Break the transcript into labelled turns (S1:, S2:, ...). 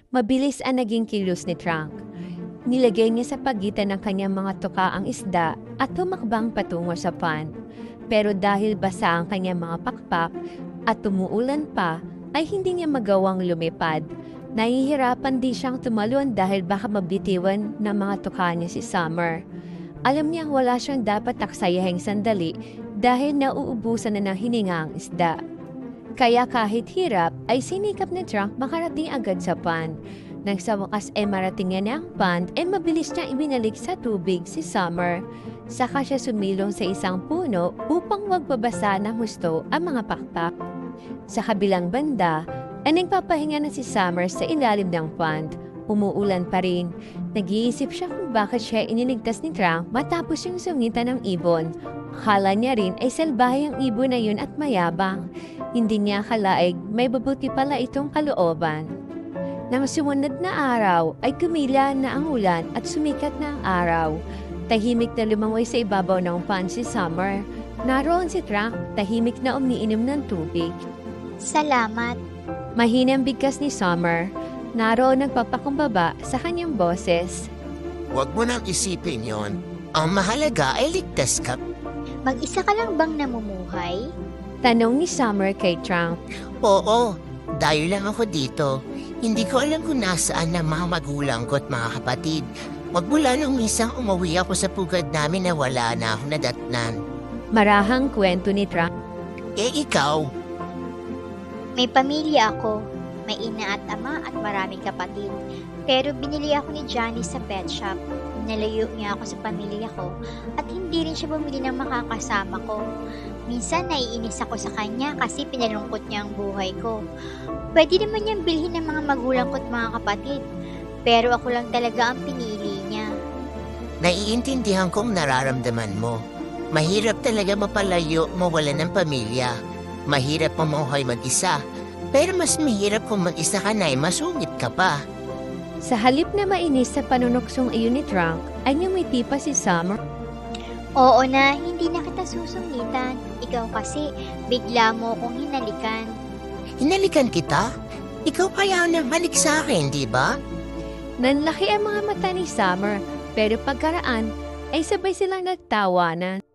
S1: Mabilis ang naging kilos ni Trunk. Nilagay niya sa pagitan ng kanyang mga tuka ang isda at tumakbang patungo sa pond. Pero dahil basa ang kanyang mga pakpak at tumuulan pa, ay hindi niya magawang lumipad. Nahihirapan din siyang tumalon dahil baka mabitiwan ng mga tuka niya si Summer. Alam niyang wala siyang dapat taksayahing sandali dahil nauubusan na ng hininga ang isda. Kaya kahit hirap ay sinikap ni Trunk makarating agad sa pond. Nang sa wakas ay marating niya ang pond ay mabilis niya ibinalik sa tubig si Summer. Saka siya sumilong sa isang puno upang wag babasa ng husto ang mga pakpak. Sa kabilang banda ay nagpapahinga na si Summer sa ilalim ng pond. Umuulan pa rin. Nag-iisip siya kung bakit siya iniligtas ni Trunk matapos yung sungitan ng ibon. Akala niya rin ay salbahe ang ibon na yun at mayabang. Hindi niya akalaig may babuti pala itong kalooban. Nang sumunod na araw ay kumila na ang ulan at sumikat na ang araw. Tahimik na lumangoy sa ibabaw ng pond si Summer. Naroon si Trunk, tahimik na umiinom ng tubig.
S2: Salamat.
S1: Mahinang bigkas ni Summer. Naroon nagpapakumbaba sa kanyang boses.
S3: Huwag mo nang isipin yon. Ang mahalaga ay ligtas ka.
S2: Mag-isa ka lang bang namumuhay?
S1: Tanong ni Summer kay Trunk.
S3: Oo, dayo lang ako dito. Hindi ko alam kung nasaan ang mga magulang ko at mga kapatid. Magmula nung minsan umuwi ako sa pugad namin na wala na akong nadatnan.
S1: Marahang kwento ni Trunk.
S3: Eh ikaw,
S2: May pamilya ako. May ina at ama at maraming kapatid. Pero binili ako ni Johnny sa pet shop. Nalayo niya ako sa pamilya ko at hindi rin siya bumili ng makakasama ko. Minsan naiinis ako sa kanya kasi pinalungkot niya ang buhay ko. Pwede naman niyang bilhin ng mga magulang ko at mga kapatid. Pero ako lang talaga ang pinili niya.
S3: naiintindihan kong nararamdaman mo. Mahirap talaga mapalayo mawala ng pamilya. Mahirap mamuhay mag-isa. Pero mas mahirap kung mag-isa ka na ay masungit ka pa.
S1: Sa halip na mainis sa panunuksong iyon ni Trunk, ay ngumiti pa si Summer.
S2: Oo na, hindi na kita susungitan. Ikaw kasi, bigla mo akong hinalikan.
S3: Hinalikan kita? Ikaw kaya nang halik sa akin, di ba?
S1: Nanlaki ang mga mata ni Summer, pero pagkaraan ay sabay silang nagtawanan.